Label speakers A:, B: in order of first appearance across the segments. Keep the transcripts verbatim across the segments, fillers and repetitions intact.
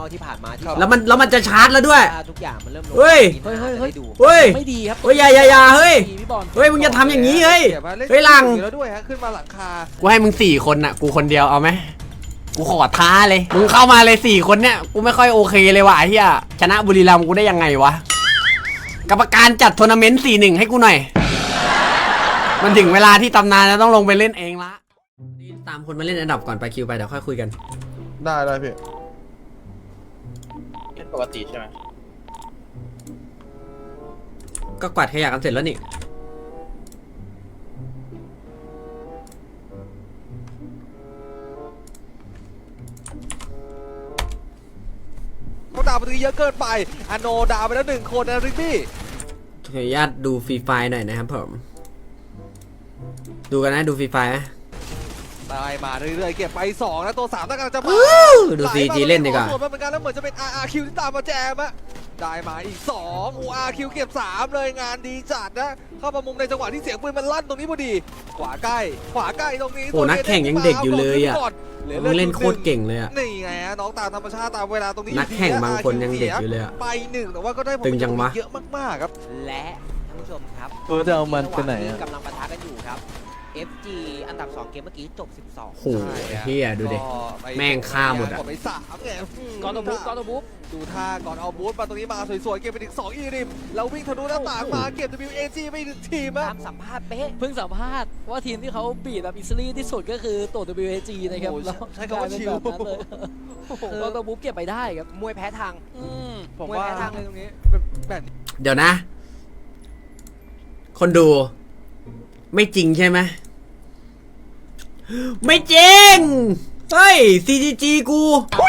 A: ที่ผ่านมาที่
B: แล้วมันแล้วมันจะชาร์จแล้วด้วย
A: ทุกอย่างมันเริ่มลง
B: เฮ้ย
A: เฮ้ยเฮ้ยเฮ้ยดู
B: เฮ้ย
C: ไม่ดีครับ
B: เฮ้ยอย่าอย่าอย่าเฮ้ยเฮ้ยมึงจะทำอย่างนี้เฮ้ยเฮ้ยหลัง
D: แล้วด้วยฮะขึ้นมาหลังคา
B: กูให้มึงสี่คนน่ะกูคนเดียวเอาไหมกูขอท้าเลยมึงเข้ามาเลยสี่คนเนี่ยกูไม่ค่อยโอเคเลยว่ะเฮียชนะบุรีรัมย์กูได้ยังไงวะกรรมการจัดทัวร์นาเมนต์ สี่หนึ่ง ให้กูหน่อยมันถึงเวลาที่ตำนานจะต้องลงไปเล่นเองละตามคนมาเล่นอันดับก่อนไปคิวไปเดี๋ยวค่อยคุยกัน
E: ได้ได้พี่
C: เล่นปกติใช่ไหม
B: ก็กวาดขยะกันเสร็จแล้วนี่
D: เขาดาวประตูเยอะเกินไปอโนดาวไปแล้วหนึ่งคนนะริกบี้
B: ขออนุญาตดูฟรีไฟหน่อยนะครับผมดูกันนะดูฟรีไฟไหม
D: ได้มาเรื่อยๆเก็บไปสองแล้วตัวสามต้องการจะมา
B: ดูซีจีเล่นดีกว่า
D: ส่วนมันเป็นการแล้วเหมือนจะเป็น อาร์ อาร์ คิว ที่ตามมาแจมอะได้มาอีกสอง อาร์ คิว เก็บสามเลยงานดีจัดนะเข้ามามุมในจังหวะที่เสียงปืนมันลั่นตรงนี้พอดีขวาใกล้ขวาใกล้ตรงนี้
B: โอ้นักแข่งยังเด็กอยู่เลยอ่ะมึงเล่นโคตรเก่งเลยอ่ะ
D: นี่ไงฮะน้องตามธรรมชาติตามเวลาตรงนี้
B: นักแข่งบางคนยังเด็กอยู่เลยอ่ะ
D: ไปหนึ่งแต่ว่าก็ได้
B: ตึงจังวะ
D: เยอะมากๆครับ
A: และท่านผู้ชมครับ
E: เออจะเอามันไปไหน
A: กำลังปะทะกันอยู่ครับ เอฟ จี อันดับสองเกมเมื่อกี้จบสิบสอง
B: โอ้โหเฮียดูดิแม่งฆ่าหมดอ่ะ
D: ไปสามไง
C: ก่อนตัวบุ๊กก่อนตัวบุ๊ก
D: ดูท่าก่อนเอาบูทมาตรงนี้มาสวยๆเก็บไปถึงสองอีริมแล้ววิ่งทะลุหน้าต่างมาเก็บ ดับเบิลยู เอ จี ไปถึงทีมอะ
A: ตามสัมภาษณ์เป๊ะ
C: เพิ่งสัมภาษณ์ว่าทีมที่เขาบีบแบบอิสลีที่สุดก็คือตัว ดับเบิลยู เอ จี นะครับแล้ว
D: ใช้คำว่าชิล
C: ก่อนตัวบุ๊กเก็บไปได้ครับ
A: มวยแพ้ทาง
D: ผมว่าทางเลยตรงนี้แบบ
B: เดี๋ยวนะ คนดูไม่จริงใช่ไหมไม่จริงเฮ้ย ซี จี จี กู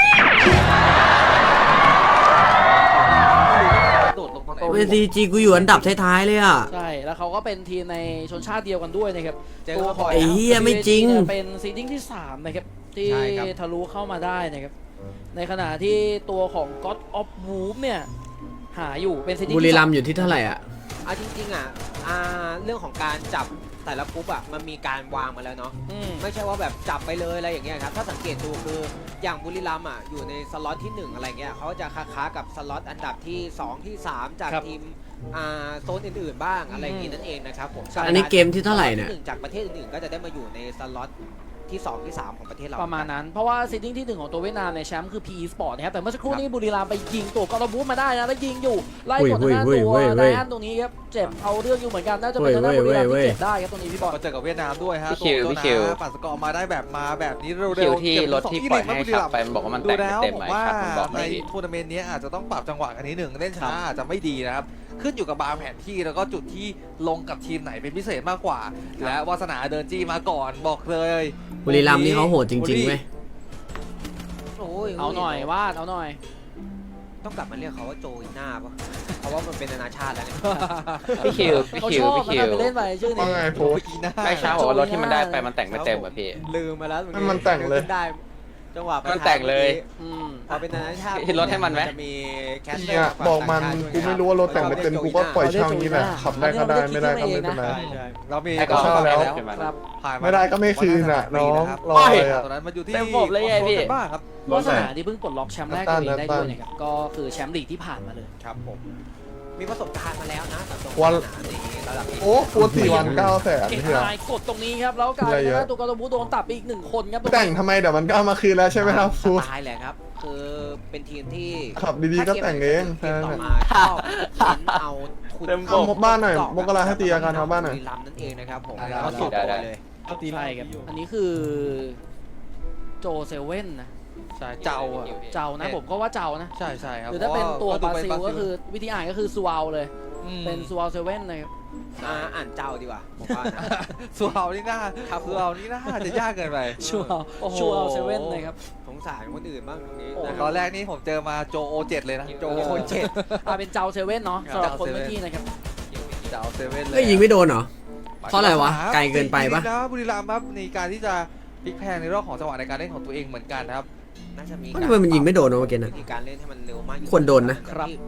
B: เฮ้ย ซี จี จี กูอยู่อันดับท้ายๆเลยอ่ะ
C: ใช่แล้วเขาก็เป็นทีมในชนชาติเดียวกันด้วยนะครับ
B: ตัวของไอ้เหี้ยไม่จริง
C: เป็นซีดิ้งที่สามนะครับที่ทะลุเข้ามาได้นะครับในขณะที่ตัวของ God of Wolf เนี่ยหาอยู่เป็นซีดิ้ง
B: บุรีรัมย์อยู่ที่เท่าไหร่อ่ะ
A: อ่ะจริงๆอ่ะอ่าเรื่องของการจับแต่ละกรุ๊ปอ่ะมันมีการวางมาแล้วเนาะไม่ใช่ว่าแบบจับไปเลยอะไรอย่างเงี้ยครับถ้าสังเกตดูคืออย่างบุรีรัมย์อ่ะอยู่ในสล็อตที่หนึ่งอะไรเงี้ยเขาจะค้าๆกับสล็อตอันดับที่สองที่สามจากทีมอ่าโซนอื่นๆบ้างอะไรอย่างงี้นั่นเองนะครับผม
B: อันนี้เกมที่เท่าไหร่เนี่ย
A: จากประเทศอื่นๆก็จะได้มาอยู่ในสล็อตที่สองที่สามของประเทศเรา
C: ประมาณนั้นเพราะว่าซีดิ้งที่หนึ่งของตัวเวียดนามในแชมป์คือ พี อี Sport นะครับแต่เมื่อสักครู่นี้บุรีรัมย์ไปยิงตัวกอล์ฟบูธมาได้นะแล้วยิงอยู่ไล่กดหน้าตัวไดอันตรงนี้ครับเจ็บเอาเรื่องอยู่เหมือนกันน่าจะเป็นทางด้านบุรีรัมย์ที่เจ็บได้ครับตรงนี้พี่บอล
D: มาเจอกับเวียดนามด้วยฮะ
F: พี่คิวพี่คิว
D: ปัดสกอร์มาได้แบบมาแบบนี้เร็วๆ
F: คิวที่รถที่ปล่อยให้ขับไปมันบอกว่ามันแต่งเต็มไหมครับมันบอก
D: ในทัวร์นาเมนต์นี้อาจจะต้องปรับจังหวะกันนิดหนึ่งเล่นช้าอาจจะไม่ดีนะครับขึ้นอยู่กับบางแผนที่แล้วก็จุดที่ลงกับทีมไหนเป็นพิเศษมากกว่าและวาสนาเดินจี้มาก่อนบอกเลย
B: บุรีรัมย์นี่เขาโหดจริงๆเว้ย
C: เอาหน่อยวาดเอาหน่อย
A: ต้องกลับมาเรียกเขาว่าโจอีน่าปะเพราะว่ามันเป็นนานาชาติแล้วเนี่ย
F: พี่คิวพี่คิวพี่คิว
C: ไปเล่นไปชื่อนี้
D: โจอีน่า
F: ไม่ใช่บอกว่ารถที่มันได้ไปมันแต่งไม่เต็มอ่ะพี่
A: ลืมมาแล้ว
E: มันแต่งเลย
A: ได้จังหวะ
F: มันแต่งเลย
A: พอเป็นนานาชาติ
F: รถให้มันไหม
A: จะมีแคสเ
E: นี่ยบอกมันกูไม่รู้ว่ารถแต่งไม่เต็มกูก็ปล่อยช่างนี้แหละขับได้ก็ได้ไม่ได้ก็ไม่เป็นไร
D: เรามี
E: ก็เข้าแล้วไม่ได้ก็ไม่คืนอ่ะน้องรอเลยอ่ะ
D: ตอนนั้นมันอยู่ที่
C: เต็มบบเลยไงพี่
D: บ้าครับ
C: วาสนาที่เพิ่งปลดล็อกแชมป์แรกตัวเองได้ด้วยนะครับก็คือแชมป์ลีกที่ผ่านมาเลย
A: ครับผมมีประสบการณ์มาแล้วนะ
E: วันโอ้โหสี่วันเก้าแสน
C: เฮียกดตรงนี้ครับแล้วกลายเป็นว่าตัวกอล์ฟบูโดนตัดไปอีกหนึ่งคนครับ
E: แต่งทำไมเดี๋ยวมันก็เอามาคืนแล้วใช่ไหมครับฟู
A: ตายแหละครับคือเป็นทีมที่
E: ขับดีๆก็แต่งเอง
A: ต่อมาชอบเอาทุน
E: เอาบ้านหน่อยมกราให้ตีอาการเอาบ้านหน่อย
A: ลำนั่นเองนะครับผม
D: ก็สุด
A: เลย
C: ตีไรครับอันนี้คือโจเซเว่นนะ
D: ใช่เจ้า
C: เจ้านะผมก็ว่าเจ้านะ
D: ใช่ใช่ครับ
C: หรือถ้าเป็นตัวบราซิลก็คือวิธีอ่านก็คือซูอัลเลยเป็นซูอัลเซเว่นนะครับ
A: อ่านเจ้าดีกว่าผมว่า
D: ซูอัลนี่น่าซูอัลนี่น่าจะยากเกินไป
C: ซูอัลซูอัลเซเว่นนะครับ
A: สงสารคนอื่นบ้างตรงนี้
D: ตอนแรกนี่ผมเจอมาโจโอเจ็ดเลยนะ
A: โจโอเจ็ด
C: อ่าเป็นเจ้าเซเว่นเนาะสำหรับคนเมื่อกี้นะครับ
D: เจ้าเซเว่นเลย
B: ไม่ยิงไม่โดนเหรอเพราะอะไรวะไกลเกินไปปะ
D: นะบุรีรัมย์ครับในการที่จะพลิกแพงในรอบของจังหวะในการเล่นของตัวเองเหมือนกันนะครับ
A: น่าจะมี
B: ทำไมมันยิงไม่โดนเมื่อกี้นะ
A: การเล่นให้มันเร็วมาก
B: ควรโดนนะครับ
A: ท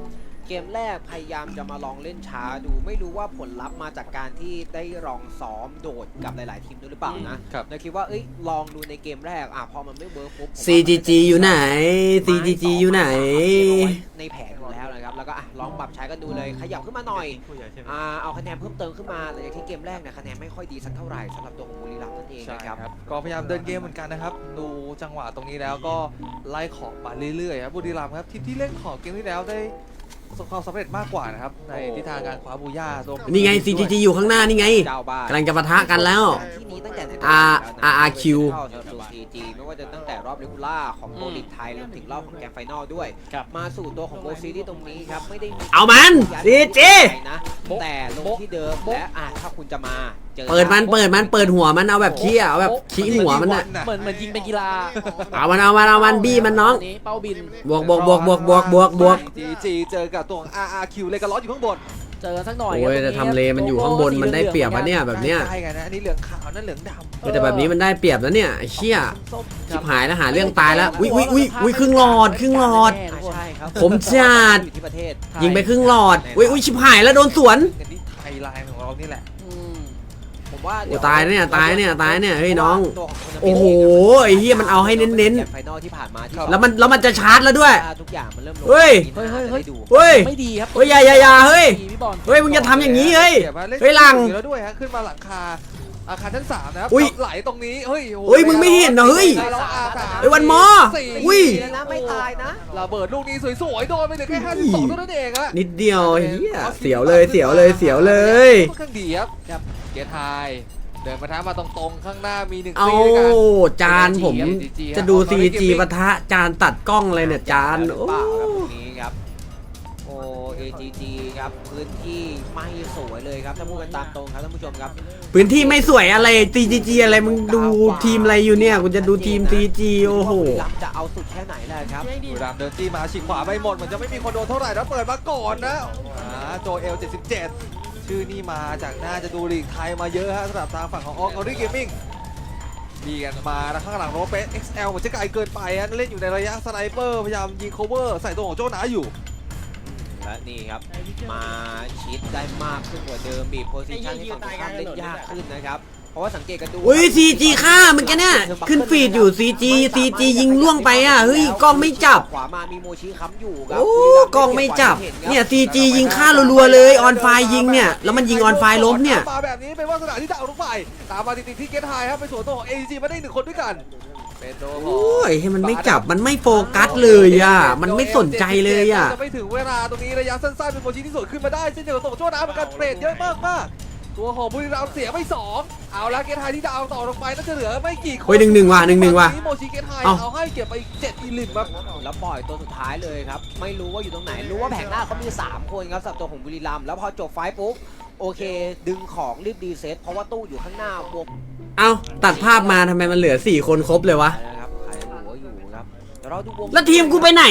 A: เกมแรกพยายามจะมาลองเล่นช้าดูไม่รู้ว่าผลลัพธ์มาจากการที่ได้ลองซ้อมโดดกับหลายๆทีมด้วยหรือเปล่านะครับ เลยคิดว่าเอ้ยลองดูในเกมแรกอ่ะพอมันไม่เวิร์กปุ๊บผมว่า
B: ซี จี จี อยู่ไหน ซี จี จี อยู่ไหน
A: ในแผนอยู่แล้วนะครับแล้วก็อ่ะลองปรับใช้กันดูเลยขยับขึ้นมาหน่อยอ่าเอาคะแนนเพิ่มเติมขึ้นมาหลังจากที่เกมแรกเนี่ยคะแนนไม่ค่อยดีสักเท่าไหร่สำหรับตัวของบุรีรัมย์นั่นเอง
D: ใช่
A: นะครับ
D: ครับก็พยายามเดินเกมเหมือนกันนะครับดูจังหวะตรงนี้แล้วก็ไล่ของมาเรื่อยๆครับบุรีรัมย์ครับทีมที่เล่นของเกมที่แล้วได้ประสบความสำเร็จมากกว่านะครับในทิศทางการคว้าบูย่าตัว
B: นี่ไง ซี จี จี อยู่ข้างหน้านี่ไง
A: เจ้าบ้าน
B: กำลังจะปะทะกันแล้ว
A: ที่นี้ตั้งแต่ไหน
B: R อาร์ อาร์ คิว
A: เข้าสำหรับตัว ซี จี ไม่ว่าจะตั้งแต่รอบเรกูล่าของโปรลีกไทยรวมถึงรอบของแกรนด์ไฟนอลด้วย
C: ครับ
A: มาสู่ตัวของโบซีที่ตรงนี้ครับไม่ได้มี
B: เอามัน ซี จี
A: นะแต่ลงที่เดิมและอ่ะถ้าคุณจะมาเจอ
B: เปิดมันเปิดมันเปิดหัวมันเอาแบบขี้อะเอาแบบขี้หัวมันอะ
C: เหมือนเหมือนยิงเป็นกีฬา
B: เอามันเอามันเอามันบี้มันน้อง
C: อันี้เป้าบิน
B: บวกบวกบวกบวกบวกบวกบวก
D: จีจีเจอกับตัวของ อาร์ อาร์ คิว เลยกันล้ออยู่ข้างบน
C: เจอกันสักหน่อย
B: โอ้ย
C: ครับ
B: แต่ทำเลมันอยู่ข้างบนมันได้เปรียบอะเนี่ยแบบเนี้ย
D: ใช่กันนะอันนี้เหลืองขาวนั่นเหลืองดำ
B: แต่แบบนี้มันได้เปรียบแล้วเนี่ยไอ้เชี่ย
C: ส้ม
B: ชิบหายแล้วหาเรื่องตายแล้วอุ้ยอุ้ยอุ้ยอุ้ยครึ่งหลอดครึ่งหลอด
A: อ่ะใช่ครับ
B: ผมจัด
A: อยู่ที่ประเทศ
B: ยิงไปครึ่งหลอดอุ้ยอุ้ยชิบหายแล้วโดนสวน
D: อันนี้ไทยไลน์ของเรานี่แหละ
C: อืม
A: ผมว่า
B: โอ้ตายเนี่ยตายเนี่ยตายเนี่ยเฮ้ยน้อง
A: ตัวขง
B: โอ้โหไอ้เหี้ยมันเอาให้เน้นๆ
A: แกรด์ไฟนอลที่ผ่านมาที่
B: แล้วมันแล้วมันจะชาร์จแล้วด้วย
A: ทุกอย่างมันเริ่มลง
B: เฮ้ย
A: เฮ้ยเฮ้ยเฮ้ยดู
B: เฮ้ย
C: ไม่ดีครับ
B: เฮ้ยอย่าอย่าอย่าเฮ้ย
C: ดีพี่บอล
B: เฮ้ยมึงจะทำอย่างนี้เฮ้ย
D: ดี๋วมาล่น
B: เฮ้ยหลัง
D: อยู่แล้วด้วยฮะขึ้นมาหลังคาอาคารชั้นสามนะครับ
B: อุ๊ย
D: ไหลตรงนี้เฮ้ยโอ้โห
B: เฮ้ยมึงไม่เห็นเหรอเฮ้ย
D: แล้วอาสาม
B: เฮ้ยวันมอ
D: สี่
B: อุ้ย
A: แล้วนะไม่ตายนะ
D: ระเบิดลูกนี้สวยๆโดนไปเหลือแค่ห้าสิบสองเท่านั้นเองอะ
B: นิดเดียวเฮียเสียวเลยเสียวเลยเสียวเลย
D: ค่อนข้างดีครับครับเกียร์ไทยเดินมาท้ามาตรงๆข้างหน้ามีหนึ่ง
B: เอา
D: ซีด้วยกัน
B: จานผม
D: ซีจี
B: จะดู
D: ครับ
B: ซี จี ปะทะจานตัดกล้องเลยเนี่ยจานโอ้
A: เปล่าครับตรงนี้ครับโอ เอ จี จี ครับพื้นที่ไม่สวยเลยครับถ้าพูดกันตามตรงครับท่านผู้ชมครับ
B: พื้นที่ไม่สวยอะไร ซี จี จี อะไรมึงดูทีมอะไรอยู่เนี่ยกูจะดูทีม ซี จี โอ้โห
A: บุรีรัมย์จะเอาสุดแค่ไหนแหละครับ
D: บุรีรัมย์เดินจี้มาฉีกขวาไปหมดเหมือนจะไม่มีคนโดนเท่าไหร่แล้วเปิดมาก่อนนะอ่าโจเอลเจ็ดสิบเจ็ดชื่อนี่มาจากน่าจะดูลีกไทยมาเยอะฮะสำหรับทางฝั่งของออกออริเกมมิ่งดีกันมาแล้วข้างหลังโรเปส เอ็กซ์ แอล เหมือนจะไกลเกินไปฮะเล่นอยู่ในระยะสไนเปอร์พยายามยิงโคเวอร์ใส่ตัวของโจนาอยู่
A: และนี่ครับมาชิดได้มากขึ้นกว่าเดิมบีบโพซิชันให้ฝั่งตรงข้ามเล่นยากขึ้นนะครับเพราะว่าสังเกตกันดู
B: อุ้ย ซี จี ฆ่าเมื่อกี้เนี่ยขึ้นฟีดอยู่ ซี จี ซี จี ยิงล่วงไปอ่ะเฮ้ยกล้องไม่จับ
A: ขวามามีโมชิค้ำอยู่ครั
B: โอ้กล้องไม่จับเนี่ย ซี จี ยิงฆ่ารัวๆเลย ออนไฟยิงเนี่ยแล้วมันยิงออนไฟล้มเนี่ย
D: มาแบบนี้เป็นวาสนาที่จะเอาลูกไฟตามมาติดๆที่เกตไฮครับไปสวนตัวของ เอ จี มาได้หนึ่งคนด้วยกันเป็นโด
B: โอ้ยให้มันไม่จับมันไม่โฟกัสเลยอ่ะมันไม่สนใจเลยอ่ะ
D: จะไม่ถึงเวลาตรงนี้ระยะสั้นๆเป็นโมชิที่สวนขึ้นมาได้เช่นเดียวกับตัวโจนาเหมือนกันเทรดเยอะมากมากๆตัวของบุรีรัมย์เสียไปสองเอาแล้วเกตไฮที่ดาวต่อลงไปน่าจะเหลือไม่กี่คน
B: เฮ้ยหนึ่งหนึ่งว่ะหนึ่งหนึ่งว่ะ
D: โมชิเกตไฮ
B: เอ้า
D: เอาให้เก็บไปอีกเจ็ดอีลิมครับ
A: แล้วปล่อยตัวสุดท้ายเลยครับไม่รู้ว่าอยู่ตรงไหนรู้ว่าแผงหน้าเขามีสามคนครับสำหรับตัวของบุรีรัมย์แล้วพอจบไฟท์ปุ๊บโอเค ดึงของรีบดีเซ็ตเพราะว่าตู้อยู่ข้างหน้าบวก
B: เอ้าตัดภาพมาทำไมมันเหลือสี่คนครบเลยวะ
A: นะครับใครหัวอยู่ครับเดี๋ยวเราดูวง
B: แล้วทีมกูไปไหน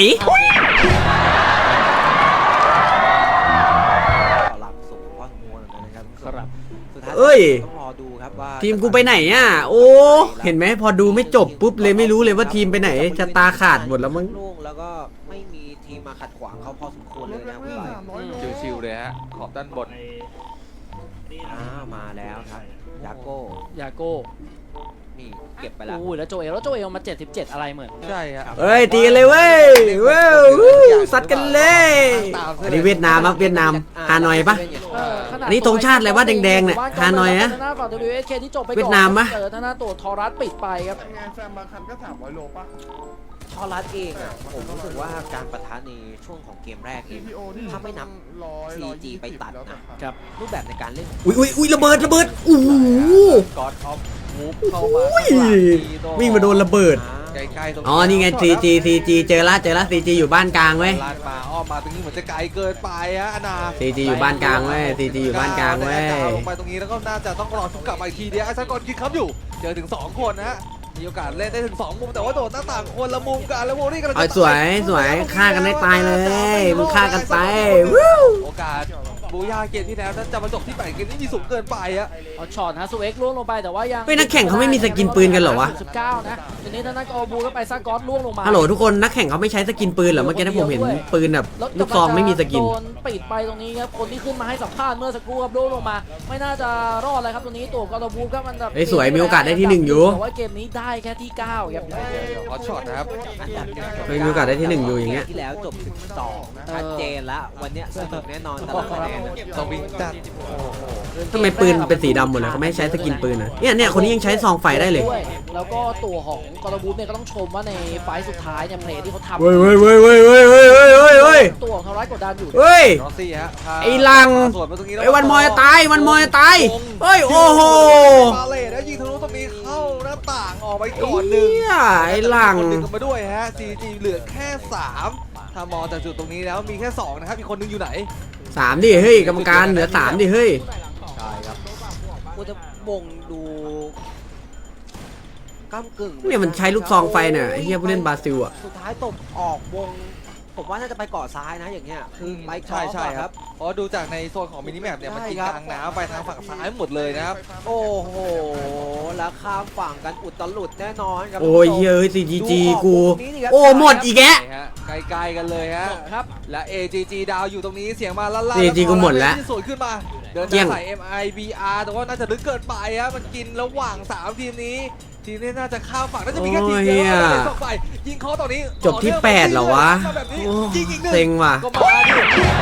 A: หลังสูงพอสมควรเหมือนกันนะครับ
C: ครับ
A: สุดท้าย
B: เอ้ย
A: ต้องรอดูครับว่า
B: ทีมกูไปไหนอ่ะโอ้เห็นไหมพอดูไม่จบปุ๊บเลยไม่รู้เลยว่าทีมไปไหนจะตาขาดหมดแล้วมั้ง
A: โล่งแล้วก็ไม่มีทีมมาขัดขวางเขาพอสมควรเลยนะครับคุณบอย
D: ชิวๆเลยฮะขอบด้านบน
A: อ่ามาแล้วครับยาโก้
C: ยาโก้
A: นี่เก็บไปแล้ว
C: โอ้ยแล้วโจเอลแล้วโจเอลมาเจ็ดสิบเจ็ดอะไรเหมือน
D: ใช่ครับ
B: เอ้ยตีกันเลยเว้ยเว้ยวู้ซัดกันเลยอันนี้เวียดนามครับเวียดนามฮานอยปะ
C: เออขนาด
B: อันนี้ธงชาติอะไรวะแดงๆเนี่ยฮานอยนะ
C: ทางหน้าฝั่ง ดับเบิลยู เอส เค ที่จบไปก่อน
B: เวียดนามปะ
C: เจอทางหน้าตัวทอรัสปิดไปครับ
E: ไงแซมบางคันก็สามร้อยโลป่ะ
A: ทอรัสเองอ่ะผมรู้สึกว่าการปะทะในช่วงของเกมแรกเอง
E: ซี พี โอ ที่
A: ถ้าไม่นับ
E: ร้อย
A: ซี
E: ร้อย
A: จี
E: ยี่สิบ
A: ไปตัด
E: แล้ว
A: นะ
E: ครับ
A: รูปแบบในการเล่น
B: อุ้ยอุ้ยอุ้ยระเบิดระเบิดโอ้โห
D: กอดออฟมูฟเข้ามา
B: อุ้ยวิ่งมาโดนระเบิด
D: ใกล้ๆตรง
B: อ๋อนี่ไง ซี จี ซี จี เจอละเจอละ ซี จี อยู่บ้านกลางเว้ย
D: ลาดมาอ้อมมาตรงนี้เหมือนจะไกลเกินไปฮะอนา
B: ซี จี อยู่บ้านกลางเว้ย ซี จี อยู่บ้านกลางเว้ย
D: ลงไปตรงนี้แล้วก็น่าจะต้องรอชุบกลับมาอีกทีเดียวไอ้ซักกอนคิดครับอยู่เจอถึงสองคนนะฮะมีโอกาสเล่นได้ถึงสองมุมแต่ว่าโดดหน้าต่างคนละมุมกันแล้วโวลี่กำลัง
B: เอา
D: จะ
B: สวยสวยฆ่ากันได้ตายเลยมึงฆ่ากันไปวู้
D: โอกาสบูย่าเกมที่แล้วจะมาจบที่แปดเกมนี้มีสูงเกินไปอะ
C: เอาช็อตฮะซูเอ็กซ์ล่วงลงไปแต่ว่ายัง
B: เฮ้ยนักแข่งเขาไม่มีสกินปืนกันเหรอวะ
C: สิบเก้านะทีนี้ทางด้านกอบูก็ไปซากอสล่วงลงมา
B: ฮัลโหลทุกคนนักแข่งเขาไม่ใช้สกินปืนเหรอเมื่อกี้ถ้าผมเห็นปืนแบบ
C: แล้ว
B: ลูกซองไม่มีสกิน
C: โดนปิดไปตรงนี้ครับคนที่ขึ้นมาให้สัมภาษณ์เมื่อสักครู่ครับล่วงลงมา ไม่น่าจะรอดเลยครับตรงนี้ตัวกอบูก็มันแบบ
B: เฮ้ยสวยมีโอกาสได้ที่หนึ่งอยู่
C: แต่ว่าเกมนี้ได้แค่ที่เก้าครับ
D: ฮอตช็อตนะครับ
A: อันดับหนึ่ง
B: เฮ้ยมีโอกาสได้ที่หนึ่งอยู่อย่างเงี้ย
A: ที่แล้วจบสิบสองชัดเจนละวันเนี้ยสนุกแน่นอนตลอดคะแนน
D: สวิงจัด
B: ทำไมปืนเป็นสีดำหมดเลยเขาไม่ให้ใช้สกินปืนนะเนี่ยเนี่ยคนนี้ยังใช้ซองไฟได้เลย
C: ด้วยแล้วก็ตัวของกอบูเนี่ยก็ต้องชมว่าในไฟล์สุดท้ายเนี่ยเพลย์ที่เขาทำ
B: เว้ยเว้ยเว้ยเว้ยเว้ยเว้ยเว้ยเว้ยเว้ย
C: ตัวของทำร้ายกดดันอยู่
B: เฮ้ย
D: รอซี่ฮะพา
B: ไอ้ลัง
D: สวนมาตรงนี้แล้ว
B: ไอ้วันมอยตายวันมอยตายเฮ้ยโอ้โห
D: บาเลตแล้วยิงทะลุตรงนี้เข้าหน้าต่างออกไปก่อนหนึ่ง
B: เหี้ยไอ้หลัง
D: คนหนึ่งกันมาด้วยฮะ ซี จี เหลือแค่สามถ้ามองจากจุดตรงนี้แล้วมีแค่สองนะครับอีกคนนึงอยู่ไหน
B: สามดิเฮ้ยกรรมการเหลือสามดิเฮ้ย
D: ใช่ครับ
A: กูจะวงดูก้ากึ่ง
B: เนี่ยมันใช้ลูกซองไฟเนี่ยไอ้เฮียผู้เล่นบราซิลอ่ะ
A: สุดท้ายตบออกวง ผมว่าน่าจะไปเกาะซ้ายนะอย่างเงี้ยคือไป
D: ใช่ใช่
A: ค
D: ค
A: รั
D: รับ บเพราะดูจากในโซนของมินิแมปเนี่ยมันกิน
A: ใช่ครับ
D: กลางน้ำไปทางฝั่งซ้ายหมดเลยนะครับ
A: โอ้โหแล้วข้ามฝั่งกันอุตลุดแน่นอนครับ
B: โอ้ย
A: คุณผู้ชม
B: เฮ้ยซีจีจีกู
A: ดูออกวงนี้ดิครับ
B: โอ้หมดอีกแกะ
D: ใช่ฮะไกลๆกันเลยฮะ
C: ครับ
D: และ เอ จี จี ดาวอยู่ตรงนี้เสียงมาลั่นๆ
B: เอ จี กูหมดแล้ว
D: ที่สวนขึ้นมาเดิน
B: เกี่ย
D: ทาง งใส่ เอ็ม ไอ บี อาร์ แต่ว่าน่าจะลึกเกินไปฮะมันกินระหว่างสามทีมนี้ทีมนี้น่าจะข้ามฝั่งน่าจะมีแค่ทีมเดียวแล้วก็สองฝ่ายยิงเขาตอนนี้
B: จบที่แปดเหรอวะ
D: แบบนี้
B: โอ้
D: ยิงอีกหนึ่ง
B: เซ็งว่ะ
D: ก็มาดิ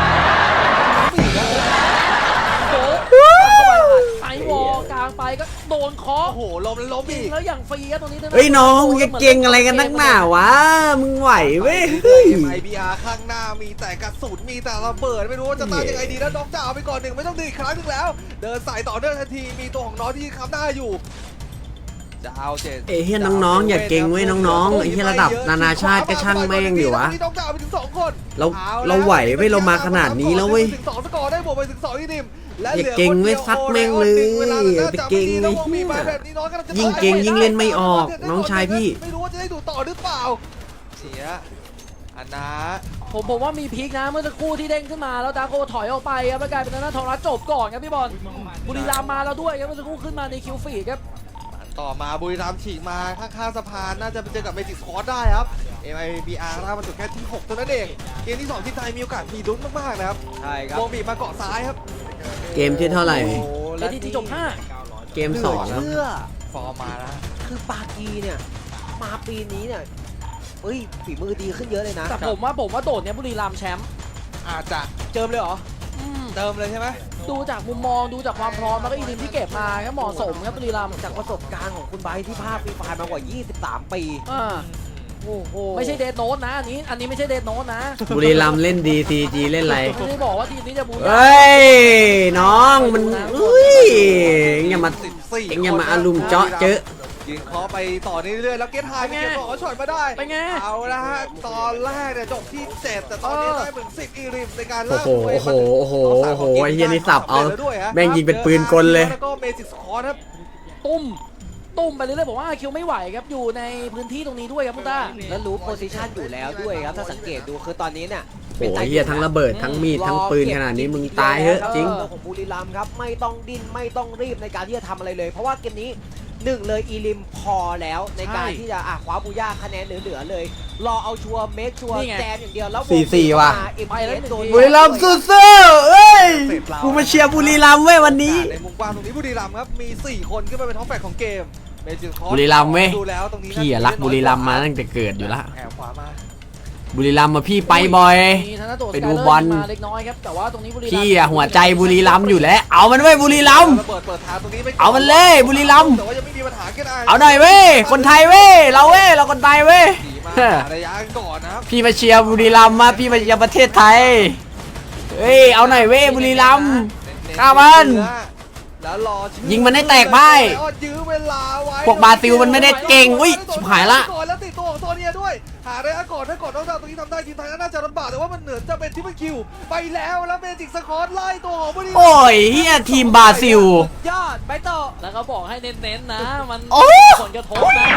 D: โดน
C: ไอวอลกลางไปก็โดนเคาะ
D: โอ้โหล้มแล้วล้มอีก
C: แล้วอย่างฟรีครับตรงนี้
B: เฮ้ยน้องมึงจะเก่งอะไรกันนักหนาวะมึงไหวเว้ยเฮ้ย
D: เอ็ม ไอ บี อาร์ ข้างหน้ามีแต่กระสุนมีแต่ระเบิดไม่รู้ว่าจะตายยังไงดีแล้วน้องจะเอาไปก่อนหนึ่งไม่ต้องดึงอีกครั้งหนึ่งแล้ว เดินสายต่อเนื่องทันทีมีตัวของน้องที่ค้ำหน้าอยู่จะเอาเจ็ด
B: เอ้ยเฮียน้องๆอย่าเก่งเว้ยน้องๆไอ้เฮียระดับนานาชาติก็ช่างแม่งอยู่วะ
D: น้องจะเอาไปถึงสองคน
B: เราเราไหวเว้ยเรามาขนาดนี้แล้วเว้ย
D: ถึงสองสกอร์ได้บวกไปถึงสองอีกนิมและ
B: อย่า
D: หลือ
B: เก่ง
D: คนดี
B: เว้
D: วย
B: ซัดแม่งเลย
D: วลาหลื
B: ไปเก่ง
D: จับ
B: ไอ้
D: ดี
B: เหี้ย
D: แล้วแบบนี้น้องกำลัจะ
B: ยิ่งเก่งยิ่งเล่นไม่ออกน้องชายพี่
D: ไม่รู้ว่าจะได้ดูต่อหรือเปล่าเสียอันนะ
C: ผมผมว่ามีพีคนะเมื่อสักครู่ที่เด้งขึ้นมาแล้วดาโกถอยออกไปครับแล้วกลายเป็นทางด้านทองรัฐจบก่อนครับพี่บอลบุรีรัมย์มาแล้วด้วยครับเมื่อสักครู่ขึ้นมาในคิวฟีดครับ
D: ต่อมาบุรีรัมย์ฉีกมาข้างๆสะพานน่าจะไปเจอกับเมจิกสควอตได้ครับ เอ็ม ไอ บี อาร์ ถ้ามันจบแค่ที่หกเท่านั้นเองเกมที่สองที่ไทยมีโอกาสมีลุ้นมากๆนะครับ
A: ใช่ครับ
D: วงบีบมาเกาะซ้ายครับ
B: เกมที่เท่าไหร่
A: โอ้โห
C: เอทีทีจบห้า
B: เกมสอง
A: เหลื
B: แล้ว
A: เชื่อ
D: ฟอร์มมาแล้ว
A: คือปากีเนี่ยมาปีนี้เนี่ยเฮ้ยฝีมือดีขึ้นเยอะเลยนะ
C: แต่ผมว่าผมว่าโดดเนี้ยบุรีรัมย์แชมป์
D: อาจจะ
A: เจิมเลยเหรอ
C: อืม
D: เติมเลยใช่ไหม
C: ดูจากมุมมองดูจากความพร้อมแล้วก็อีลิมที่เก็บมาครับเหมาะสมครับบุรีรัมย์
A: จากประสบการณ์ของคุณไบร์ทที่ภาคฟรีไฟล์มากว่า ยี่สิบสาม ปี
C: อ่า
A: โอ้โห
C: ไม่ใช่เดดโนตนะอันนี้อันนี้ไม่ใช่เดดโนตนะ
B: บุรีรัมย์เล่นดีซีจีเล่นอะไร
C: ไม่ได้บอกว่าทีมนี้จะบู
B: เฮ้ยน้องมันอุ้ยเอ็งอย่ามา
D: สิบสี่
B: เอ็งอย่ามาอารุมเจาะเจอะ
D: ยิงเคาะไปต่อเรื่อยๆแล้วเกตไฮไปเก็บต่อช็อตมาได้
C: ไปไง
D: เอาละฮะตอนแรกเนี่ยจบที่เจ็ดแต่ตอนนี้ได้เหมือนสิบอีริมในการ
B: โอ้
D: ลาก
B: โห
D: ตัวเอง
B: โอ้โห
D: มา
B: โอ้โหโอ้โหไอ้เฮียนี่สับเอา
D: แล้วด้วยฮะ
B: แม่งยิงเป็นปืนกลเลย
D: แล้วก็เมจิกสคอร์ครับ
C: ตุ้มตุ้มไปเรื่อยๆผมว่าคิวไม่ไหวครับอยู่ในพื้นที่ตรงนี้ด้วยครับพุต้า
A: แล้วรู้โพซิชันอยู่แล้วด้วยครับ ถ้าสังเกตดูคือตอนนี้เนี่ย
B: โอ้ยเฮียทั้งระเบิดทั้งมีดทั้งปืนขนาดนี้มึงตายเถอะจริง
A: ของบุรีรัมย์ครับไม่ต้องดิ้นไม่ต้องรีบในการที่จะทำอะไรเลย เพราะว่าเกมนี้หนึ่งเลยอีลิมพอแล้วในการที่จะอ่ะคว้าบูย่าคะแนนเหลือๆเลย รอเอาชัวร์เมคชัวร์แจมอย่างเดียวแล้ว
B: สี่สี่ว่ะ
A: เอ็มเอสโดน
B: บุรีรัมย์สู้ๆเอ้ยกูมาเชียร์บุรีรัมย์เว้ยวันนี้
D: ในมุมกว้างตรงนี้บุรีรัมย์ครับมีสี่คนขึ้นมาเป็นท็อปแฟกของเกมเมจิกสคอร์
B: บุรีรัมย์เว้ย
D: ดูแล้วตรงนี้
B: พี่อะรักบุรีรัมย์มาตั้งแต่เกิดอยู่ละ
D: แอบขวามา
B: บุรีรัมย์มาพี่ไปบ่อย
C: มีธนโต
B: ไปดูบอล
C: มาเล็กน้อยครับแต่ว่าตรงนี้บุรีรัมย์
B: พี่อะหัวใจบุรีรัมย์อยู่แล้วเอามันเว้ยบุรีรัมย์
D: ระเบิดเปิดทางตรงนี้ไป
B: เอามันเลยบุรีรัมย์
D: แต่ว่ายังไม่มีปัญหากัน
B: เอาหน่อยเว้ยคนไทยเว้ยเราเว้ยเราคนไทยเว้ย
D: ขี่มาหาระยะก่อนนะครับ
B: พี่มาเชียร์บุรีรัมย์มาพี่มาเชียร์ประเทศไทยเฮ้ยเอาหน่อยเว้ยบุรีรัมย์ ฆ่ามัน
D: แล้วรอชื่อ
B: ยิงมันให้แตกพ่าย
D: แล้วยื้อเวลาไว้
B: พวกบราซิลมันไม่ได้เก่งอุ้ยชิบหายละ
D: ก่อนแล้วติดตัวของโซเนียด้วย หาระยะก่อนถ้าก่อนน้องดาวตรงนี้ทำได้ทีมไทยน่าจะลำบากแต่ว่ามันเหนือจะเป็นที่มันคิวไปแล้วแล้วเมจิกสคอร์ไล่ตัวของบุรีรัมย์
B: โอ้ยเฮียทีมบราซิล
A: ยอดไปต่อ
C: แล้วเขาบอกให้เน้นๆนะมัน
B: โอ้
C: ผลกระทบนะ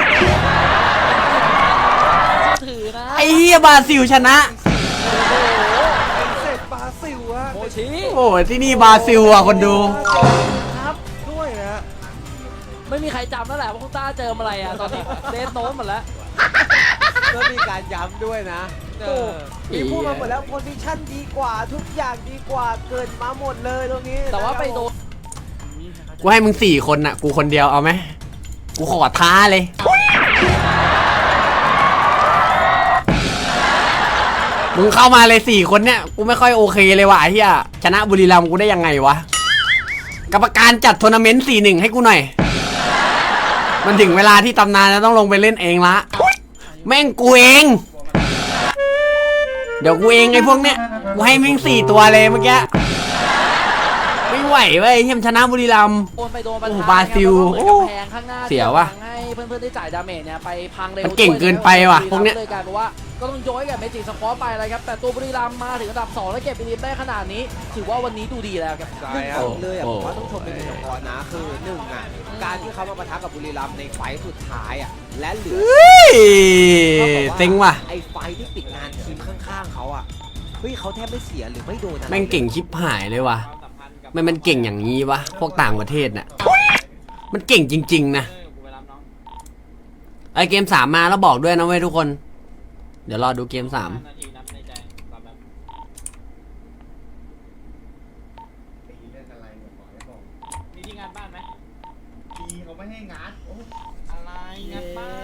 C: ถือนะ
B: ไอ้เฮียบราซิลชนะ
D: เสร็จบราซิลฮะ
C: โอ้ยชี้
B: โอ้ยที่นี่บราซิลอ่ะคนดู
C: ครับ
D: ด้วยนะฮะ
C: ไม่มีใครจำแล้วแหละว่าคุณต้าเจออะไรอ่ะตอนนี้เดนโน้นหมดแล้ว
A: แล้วมีการย้ำด้วยนะ
D: เอ
A: โอ้
D: อ
A: มีพูดมาหมดแล้วโพซิชั่นดีกว่าทุกอย่างดีกว่าเกินมาหมดเลยตรงนี้
C: แต่ว่าไปโดน
B: กูให้มึงสี่คนน่ะ กูคนเดียวเอาไหมกูขอท้าเลย มึงเข้ามาเลยสี่คนเนี่ย กูไม่ค่อยโอเคเลยว่ะไอ้เหี้ยชนะบุรีรัมย์กูได้ยังไงวะ กรรมการจัดทัวร์นาเมนต์สี่หนึ่งให้กูหน่อย มันถึงเวลาที่ตำนานจะต้องลงไปเล่นเองละ แม่งกูเอง เดี๋ยวกูเองไอ้พวกเนี้ย กูให้แม่งสี่ตัวเลยเมื่อกี้ ไม่ไหวเว้ยเฮียมชนะบุรีรัมย์
C: โดนไปโดนประ
B: โอ้
C: ธาน
B: บราซิล
C: แล้วก็เหมือนกำแพงข้างหน้า
B: เสียว่ะ
C: ที่ให้เพื่อนๆได้จ่ายดาเมจเนี่ยไปพังเร็ว
B: มันเก่งเกินไปว่ะพวกเนี้ย
C: เลยกลายเป็นว่าก็ต้องย้อยกับเมจิสควอตไปเลยครับแต่ตัวบุรีรัมย์มาถึงอันดับสองและเก็บไปลิมได้ขนาดนี้ ถือว่าวันนี้ดูดีแล้วครับ
D: ใช่
A: หนึ่ง
D: ค
A: ส
D: รับ
A: องเลยอ่ะ
B: โอ้
A: ผมว่าต้องชมเป็นเฉพาะนะคือหนึ่งอ่ะการที่เขามาปะทะกับบุรีรัมย์ในไฟต์สุดท้ายอ่ะและเหลือ
B: เฮ้ย
A: ท่ากับา
B: เซ็งว่ะ
A: ไอ้ไฟท์ที่ปิดงานทีมข้างๆเขาอ่ะเฮ้ยเขาแทบไม่เสียหรือไม่โดนอะไร
B: แม่งเก่งชิบหายเลยว่ะมันมันเก่งอย่างนี้วะพวกต่างประเทศน่ะมันเก่งจริงๆนะไอเกมสามมาแล้วบอกด้วยนะเว้ยทุกคน เดี๋ยวรอดูเกมสาม
G: มีที่งานบ้านไหมมีเขาไม่ให้งานโอ้อะไรงานบ้าน